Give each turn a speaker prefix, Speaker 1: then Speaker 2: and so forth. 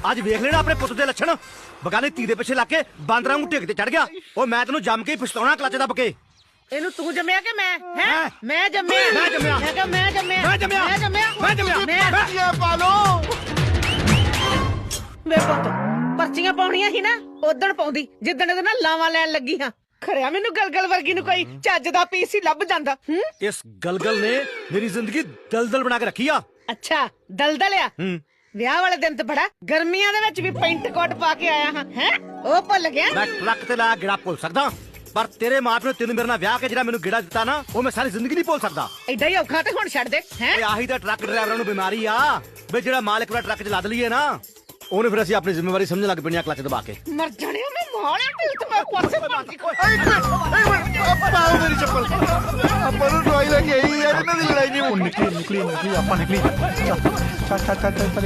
Speaker 1: ਅੱਜ ਵੇਖ ਲੈਣਾ ਆਪਣੇ ਪੁੱਤ ਦੇ ਲੱਛਣ। ਬਗਾਨੇ ਧੀ ਦੇ ਪਿੱਛੇ ਲੱਗ ਕੇ ਬਾਂਦਰਾਂ ਨੂੰ ਢਿੱਗ ਤੇ ਚੜ ਗਿਆ। ਉਹ ਮੈਂ ਤੈਨੂੰ ਜੰਮ ਕੇ ਪਛਤਾਉਣਾ ਕਲੱਚ ਦੱਬ ਕੇ।
Speaker 2: ਇਹਨੂੰ ਤੂੰ ਜੰਮਿਆ ਕਿ ਮੈਂ ਹੈ
Speaker 1: ਹੈਂ?
Speaker 2: ਮੈਂ ਜੰਮਿਆ
Speaker 1: ਮੈਂ ਜੰਮਿਆ।
Speaker 2: ਮੈਂ ਕਿਹਾ ਮੈਂ ਜੰਮਿਆ
Speaker 1: ਮੈਂ ਜੰਮਿਆ।
Speaker 2: ਮੈਂ ਜੰਮਿਆ
Speaker 1: ਮੈਂ ਜੰਮਿਆ।
Speaker 2: ਮੈਂ
Speaker 3: ਪਾਲੋ
Speaker 2: ਵੇ ਪੁੱਤ ਪਰਚੀਆਂ ਪਾਉਣੀਆਂ ਸੀ ਨਾ ਉਦਣ ਪਾਉਂਦੀ ਜਿੱਦਣ ਇਹਦੇ ਨਾਲ ਲਾਵਾਂ ਲੈਣ ਲੱਗੀ ਹਾਂ। ਖਰਿਆ ਮੈਨੂੰ ਗਲਗਲ ਵਰਗੀ ਨੂੰ ਕੋਈ ਚੱਜ ਦਾ ਪੀਸ ਹੀ ਲੱਭ ਜਾਂਦਾ।
Speaker 1: ਇਸ ਗਲਗਲ ਨੇ ਮੇਰੀ ਜ਼ਿੰਦਗੀ ਦਲਦਲ ਬਣਾ ਕੇ ਰੱਖੀ ਆ।
Speaker 2: ਅੱਛਾ ਦਲਦਲ ਆ। ਵਿਆਹ ਵਾਲੇ ਦਿਨ ਤੇ ਬੜਾ ਗਰਮੀਆਂ ਦੇ ਵਿੱਚ ਵੀ ਪੈਂਟ ਕੋਟ ਪਾ ਕੇ ਆਇਆ ਹਾਂ ਹੈ ਉਹ ਭੁੱਲ ਗਿਆ।
Speaker 1: ਮੈਂ ਟਰੱਕ ਤੇ ਲਾ ਗਿੜਾ ਭੁੱਲ ਸਕਦਾ, ਪਰ ਤੇਰੇ ਮਾਪੇ ਨੇ ਤੈਨੂੰ ਮੇਰੇ ਨਾਲ ਵਿਆਹ ਕੇ ਜਿਹੜਾ ਮੈਨੂੰ ਗਿੜਾ ਦਿੱਤਾ ਨਾ, ਉਹ ਮੈਂ ਸਾਰੀ ਜ਼ਿੰਦਗੀ ਨਹੀਂ ਭੁੱਲ ਸਕਦਾ।
Speaker 2: ਐਡਾ ਹੀ ਔਖਾ ਤੇ ਹੁਣ ਛੱਡ ਦੇ ਹੈ।
Speaker 1: ਓਏ ਆਹੀ ਤਾਂ ਟਰੱਕ ਡਰਾਈਵਰਾਂ ਨੂੰ ਬਿਮਾਰੀ ਆ ਵੀ ਜਿਹੜਾ ਮਾਲਕ ਦਾ ਟਰੱਕ ਚ ਲੱਦ ਲਈਏ ਨਾ, ਉਹਨੇ ਫਿਰ ਅਸੀਂ ਆਪਣੀ ਜ਼ਿੰਮੇਵਾਰੀ ਸਮਝਣ ਲੱਗ ਪੈਣੀ ਆ ਕਲੱਚ ਦਬਾ ਕੇ।
Speaker 2: ਮਰ ਜਾਣੇ ਮੈਂ ਮਾਰਿਆ ਤੇ ਮੈਂ ਪਾਸੇ ਪਾਉਂਦੀ
Speaker 3: ਪਾਓ ਮੇਰੀ ਚੱਪਲ। ਆਪਾਂ ਨੂੰ ਦਵਾਈ ਲੈ ਕੇ ਆਈ ਯਾਰ, ਇਹਨਾਂ ਦੀ ਲੜਾਈ ਨਹੀਂ
Speaker 4: ਨਿਕਲੀ ਆਪਾਂ ਨਿਕਲੀ ਚੱਲ